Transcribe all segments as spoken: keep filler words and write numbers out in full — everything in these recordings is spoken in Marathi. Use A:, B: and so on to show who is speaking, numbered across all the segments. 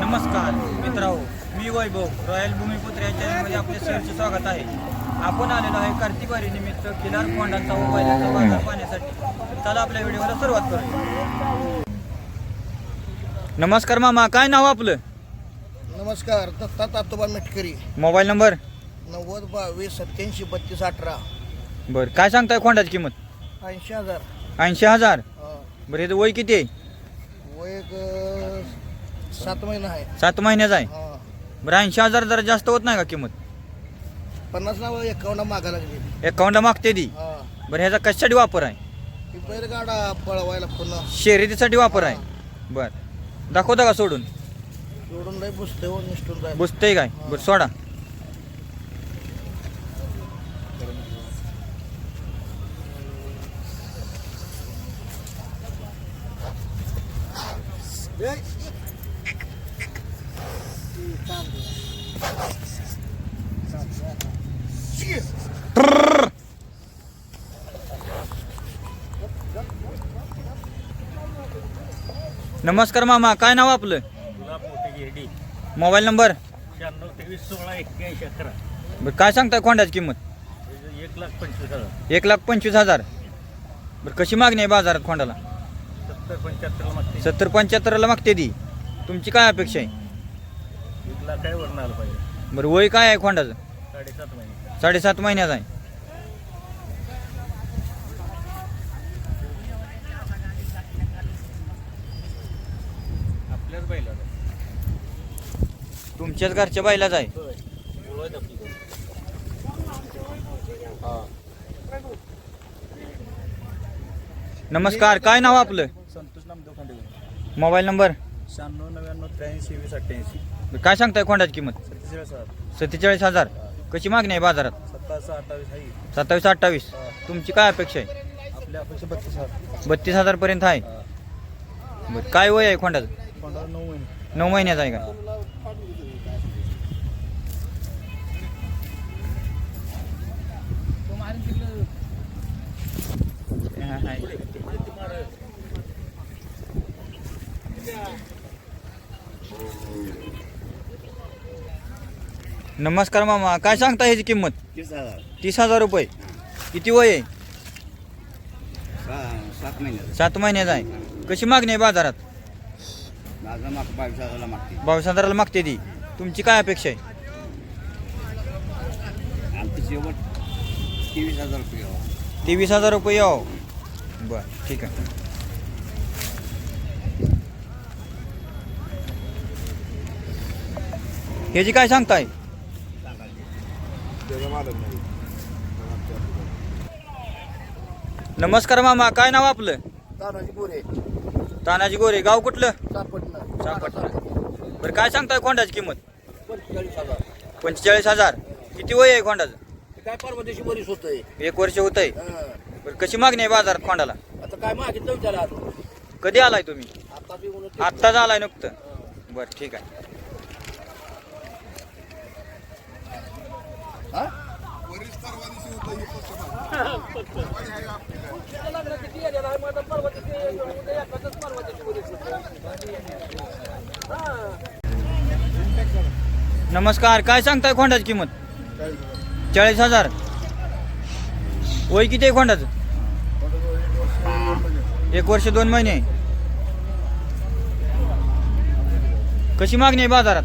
A: नमस्कार मित्रांनो, मी वैभव रॉयल भूमिपुत्र या चॅनलमध्ये आपले सहर्ष स्वागत आहे. आपण आलेलो आहे कार्तिक वारी निमित्त किलार कोंडांचा व बैलांचा बाजार पाहण्यासाठी. चला आपल्या व्हिडिओला सुरुवात करूया. नमस्कार मामा, काय नाव आपलं?
B: नमस्कार, दत्ता तातोबा मेटकरी.
A: Mobile number?
B: नव्वद बावीस सत्याऐंशी बत्तीस अठरा.
A: बरं, काय सांगताय खोंडाची किंमत?
B: ऐंशी हजार.
A: ऐंशी हजार.
B: हा.
A: बरं, याचं वय किती आहे?
B: वय एक अं, सात महिना आहे.
A: सात महिन्याचा आहे.
B: हा.
A: बरं, ऐंशी हजार जरा जास्त होत नाही का किंमत?
B: पन्नास नाव एकावन्न मागा लागली.
A: अकाउंटला मागते ती.
B: हा.
A: बरं, ह्याचा कशासाठी वापर आहे?
B: ही बैलगाडा पळवायला पुन्हा
A: शर्यतीसाठी वापर आहे. बरं, दाखवता का सोडून?
B: जोडून नाही बुसते हो निष्ठून जाय.
A: बुजतंय काय? बरं, सोडा. नमस्कार मामा, काय नाव आपलं? Mobile number?
C: शहाण्णव तेवीस सोळा एक्क्याऐंशी अकरा.
A: बरं, काय सांगताय खोंडाची किंमत?
C: एक लाख पंचवीस हजार.
A: एक लाख पंचवीस हजार. बरं, कशी मागणी आहे बाजारात खोंडाला?
C: सत्तर पंच्याहत्तरला मागते.
A: सत्तर पंच्याहत्तरला मागते ती. तुमची काय अपेक्षा आहे?
C: एक लाख काय वरून आलं पाहिजे.
A: बरं, वय काय आहे खोंडाचं?
C: साडेसात महिने.
A: साडेसात महिन्याचा आहे.
C: आपल्याच बैला
A: तुमच्याच घरच्या बैलाच आहे. नमस्कार, काय नाव आपलं?
C: संतोष नामदेव खांडे.
A: Mobile number?
C: शहाण्णव नव्याण्णव त्र्याऐंशी वीस अठ्ठ्याऐंशी.
A: बरं, काय सांगताय खोंडाची किंमत?
C: सत्तेचाळीस हजार.
A: सत्तेचाळीस हजार. कशी मागणी आहे बाजारात?
C: सत्तावीस अठ्ठावीस आहे.
A: सत्तावीस अठ्ठावीस. तुमची काय अपेक्षा आहे?
C: आपल्या अपेक्षा बत्तीस हजार.
A: बत्तीस हजार पर्यंत आहे. बरं, काय वय आहे खोंडाचं?
C: पंधरा नऊ महिने.
A: नऊ महिन्याचा आहे का? नमस्कार मामा, काय सांगता ह्याची किंमत?
B: तीस हजार.
A: तीस हजार रुपये. किती वय आहे?
B: सात महिने.
A: सात महिन्याचा आहे. कशी मागणी आहे बाजारात?
B: माझा माग बावीस हजारला मागते.
A: बावीस हजाराला मागते ती. तुमची काय अपेक्षा आहे?
B: आमचं शेवट तेवीस हजार रुपये.
A: तेवीस हजार रुपये यावं. बरं, ठीक आहे. ह्याची काय सांगताय? नमस्कार मामा, काय नाव आपलं?
B: तानाजी बोरे.
A: तानाजी गोरे. गाव कुठलं?
B: सापटणं.
A: सापटणं. बरं, काय सांगताय खोंडाची किंमत?
B: पंचेचाळीस हजार.
A: पंचेचाळीस हजार. किती वय आहे खोंडाचं?
B: काय परवा दिवशी बरीच होतंय.
A: एक वर्ष होत आहे. बरं, कशी मागणी आहे बाजारात खोंडाला?
B: आता काय मागितलं विचारा.
A: कधी आलाय तुम्ही?
B: आता बी म्हणून
A: आत्ताच आलाय नुकतं. बरं, ठीक आहे. नमस्कार, काय सांगताय खोंडाची किंमत? चाळीस हजार. वय किती आहे खोंडाचं? एक वर्ष दोन महिने. कशी मागणी आहे बाजारात?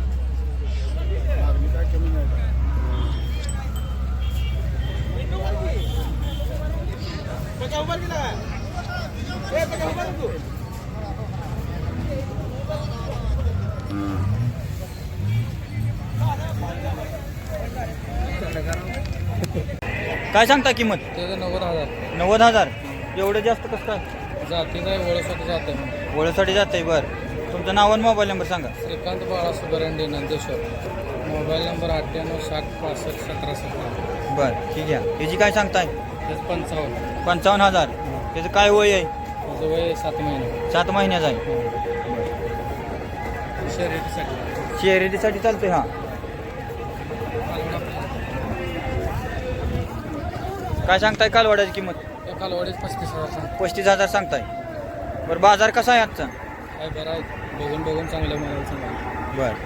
A: काय सांगता किंमत?
D: त्याचं नव्वद हजार.
A: नव्वद हजार. एवढं जास्त कसं काय?
D: जाती नाही ओळखत जाते.
A: ओळखसाठी जात आहे. बरं, तुमचं नाव आणि मोबाईल नंबर सांगा.
D: श्रीकांत बाळा सुबरंडे नंदेश्वर. मोबाईल नंबर अठ्ठ्याण्णव साठ पासष्ट सतरा सतरा.
A: बरं, ठीक आहे. ह्याची काय सांगताय?
D: त्याचं पंचावन्न.
A: पंचावन्न हजार. त्याचं काय वय आहे?
D: त्याचं वय सात महिने.
A: सात महिन्याचा आहे.
D: शर्यतीसाठी.
A: शर्यतीसाठी चालतंय. हां, काय सांगताय कालवडाची किंमत?
D: एका लोडीच पस्तीस हजार.
A: पस्तीस हजार सांगताय. बरं, बाजार कसा आहे आजचा?
D: काय बरं आहे बघून बघून चांगलं मला सांगा.
A: बर.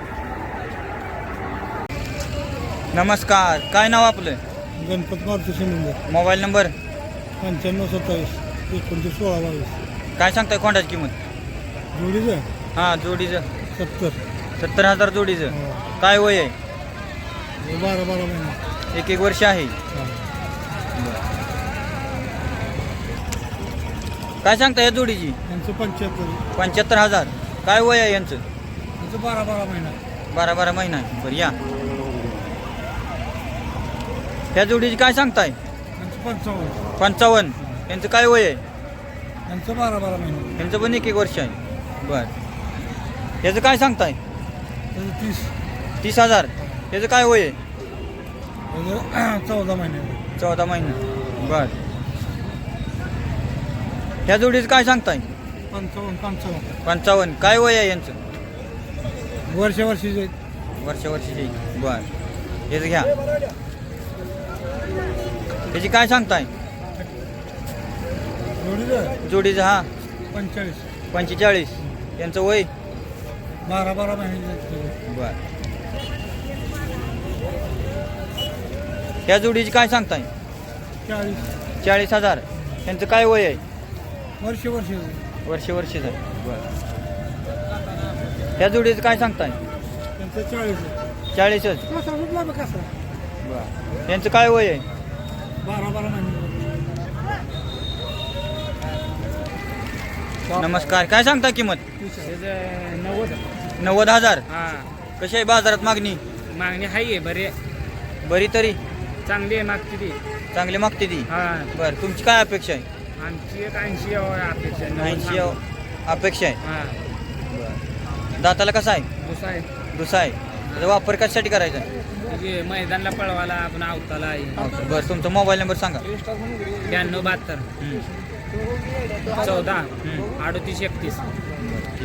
A: नमस्कार, काय नाव आपलं?
C: गणपत मारुती शिंदे.
A: Mobile number?
C: पंच्याण्णव सत्तावीस एकोणतीस सोळा बावीस.
A: काय सांगताय खोंडाची किंमत?
C: जोडीचं
A: हां, जोडीचं
C: सत्तर.
A: सत्तर हजार जोडीचं. काय वय आहे?
C: बारा बारा महिने.
A: एक एक वर्ष आहे. काय सांगता या जोडीची?
C: यांचं पंच्याहत्तर.
A: पंच्याहत्तर हजार. काय वय आहे यांचं?
C: यांचं बारा बारा महिना.
A: बारा बारा महिना आहे. बरं या. ह्या जोडीची काय सांगताय?
C: यांचं पंचावन्न.
A: पंचावन्न. यांचं काय वय आहे?
C: यांचं बारा बारा महिना.
A: यांचं पण एक एक वर्ष आहे. बर. याचं काय सांगताय?
C: त्याचं तीस.
A: तीस हजार. याचं काय वय आहे?
C: त्याचं चौदा महिने.
A: चौदा महिना. बर. ह्या जोडीचं काय सांगताय?
C: पंचावन्न पंचावन्न.
A: पंचावन्न. काय वय आहे यांचं?
C: वर्ष वर्षीचे.
A: वर्ष वर्षीची. बर. याचं घ्या. याची काय सांगताय?
C: जोडीचं
A: जोडीचं हा
C: पंचेचाळीस.
A: पंचेचाळीस. यांचं वय?
C: बारा बारा महिने.
A: बर. ह्या जोडीची काय सांगताय?
C: चाळीस.
A: चाळीस हजार. यांचं काय वय आहे?
C: वर्ष वर्ष.
A: वर्ष वर्षीच आहे. बर. ह्या जोडीचं काय सांगताय?
C: त्यांचं चाळीस.
A: चाळीसच.
C: कसा कुठला बघ कसा.
A: बर. यांचं काय वय आहे?
C: बारा बारा महिने.
A: नमस्कार, काय सांगता किंमत?
D: नव्वद.
A: नव्वद हजार.
D: हां,
A: कशी आहे बाजारात मागणी?
D: मागणी आहे बरे
A: बरी तरी
D: चांगली आहे मागची ती.
A: चांगली मागते ती.
D: हां,
A: बर. तुमची काय अपेक्षा आहे?
D: आमची एक ऐंशी अपेक्षा आहे.
A: ऐंशी अपेक्षा आहे.
D: हां,
A: दाताला कसा आहे?
D: दुसरा आहे
A: दुसरा आहे. त्याचा वापर कशासाठी करायचा आहे?
D: म्हणजे मैदानला पळवायला आपण आवताला आहे.
A: बरं. तुमचा मोबाईल नंबर सांगा.
D: ब्याण्णव बहात्तर
A: हं.
D: चौदा
A: हं.
D: अडतीस एकतीस.
A: ठीक.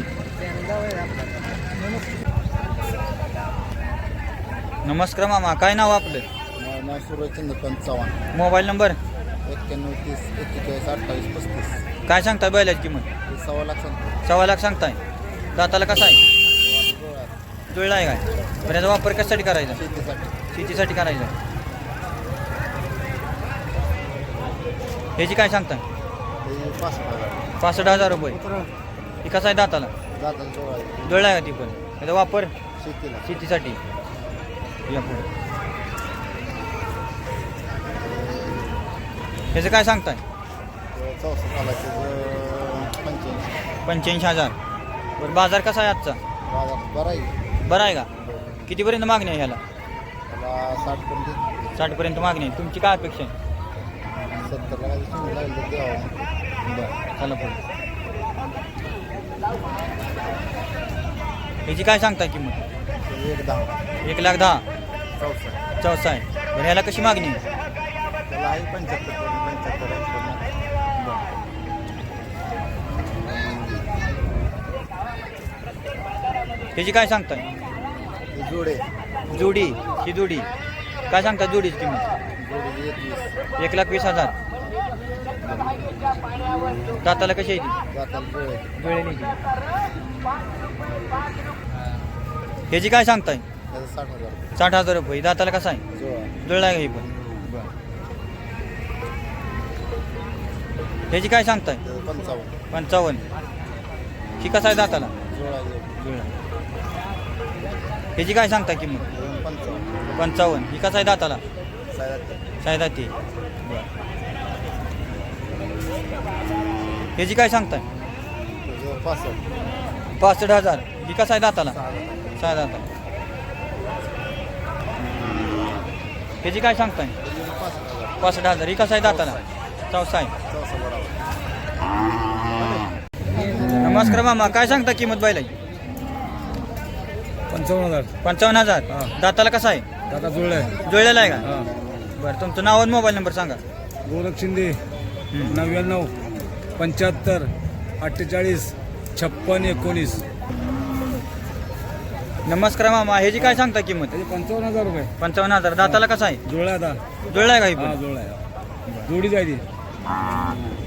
A: नमस्कार मामा, काय नाव आपलं?
B: सूर्यचंद्र पंचावन्न.
A: Mobile number?
B: एक्क्याण्णव तीस एक्केचाळीस अठ्ठावीस पस्तीस.
A: काय सांगताय बैलाची किंमत?
B: हे सव्वा लाख सांगतो.
A: सव्वा लाख सांगताय. दाताला कसा आहे? जुळला आहे काय? बरं. याचा वापर कशासाठी करायचा?
B: शेतीसाठी.
A: शेतीसाठी करायचा. ह्याची काय सांगताय?
B: हे पासष्ट हजार.
A: पासष्ट हजार रुपये. ती कसं आहे दाताला?
B: जाताला जवळ आहे.
A: जुळला आहे का ती पण? याचा वापर
B: शेतीला.
A: शेतीसाठी. या पुढे. ह्याचं काय सांगताय?
B: चौसष्ट सालाचे पंच्याऐंशी.
A: पंच्याऐंशी हजार. बरं. बाजार कसा आहे आजचा?
B: बाजार बरा आहे.
A: बरं आहे का? कितीपर्यंत मागणी आहे ह्याला?
B: त्याला साठ पर्यंत.
A: साठपर्यंत मागणी आहे. तुमची काय अपेक्षा आहे?
B: सत्तरला काही शिंग लागेल तर द्यावं.
A: बरं. चला पुढे. ह्याची काय सांगताय किंमत?
B: एक दहा.
A: एक लाख दहा.
B: चौसष्ट.
A: चौसा आहे. बरं. ह्याला कशी मागणी आहे?
B: त्याला आहे पंच्याहत्तर पर्यंत. पंच्याहत्तर ऐंशी.
A: ह्याची काय सांगताय?
B: जोडे.
A: जोडी. ही जोडी काय सांगताय जोडीची किंमत?
B: जोडी एकवीस.
A: एक लाख वीस हजार. दाताला कशी आहे ती?
B: जाताला जोडे.
A: जुळलेली ती. ह्याची काय सांगताय?
B: त्याचं साठ हजार.
A: साठ हजार रुपये. दाताला कसा आहे?
B: जोडा.
A: जुळला आहे का ही पण? ह्याची काय सांगताय?
B: त्याचं पंचावन्न.
A: पंचावन्न. ही कसा आहे दाताला?
B: जोडा.
A: जुळला. ह्याची काय सांगताय किंमत?
B: पंचावन्न.
A: पंचावन्न. ही कसा आहे दाताला?
B: साडेआठ.
A: सायदा ती. ह्याची काय सांगताय?
B: त्याचं पासष्ट.
A: पासष्ट हजार. ही कसा आहे दाताला?
B: सहा हजार.
A: सहा दाताला. ह्याची काय सांगताय?
B: त्याचं पासष्ट हजार.
A: पासष्ट हजार. ही कसा आहे दाताला? चौसा आहे.
B: चौसा बरोबर.
A: नमस्कार मामा, काय सांगता किंमत बैलाची?
C: पंचावन्न हजार.
A: पंचावन्न हजार. दाताला कसा आहे?
C: दादा जुळलाय.
A: जुळलेला आहे का?
C: हां.
A: बरं. तुमचं नाव आणि मोबाईल नंबर सांगा.
C: गोरख शिंदे.
A: हं.
C: नव्याण्णव पंच्याहत्तर अठ्ठेचाळीस छप्पन एकोणीस.
A: नमस्कार मामा, ह्याची काय सांगता किंमत?
C: त्याचे पंचावन्न हजार रुपये.
A: पंचावन्न हजार. दाताला कसा आहे?
C: जुळला आता.
A: जुळला आहे का ही
C: हा
A: पण?
C: जुळलाय. जोडी जायची.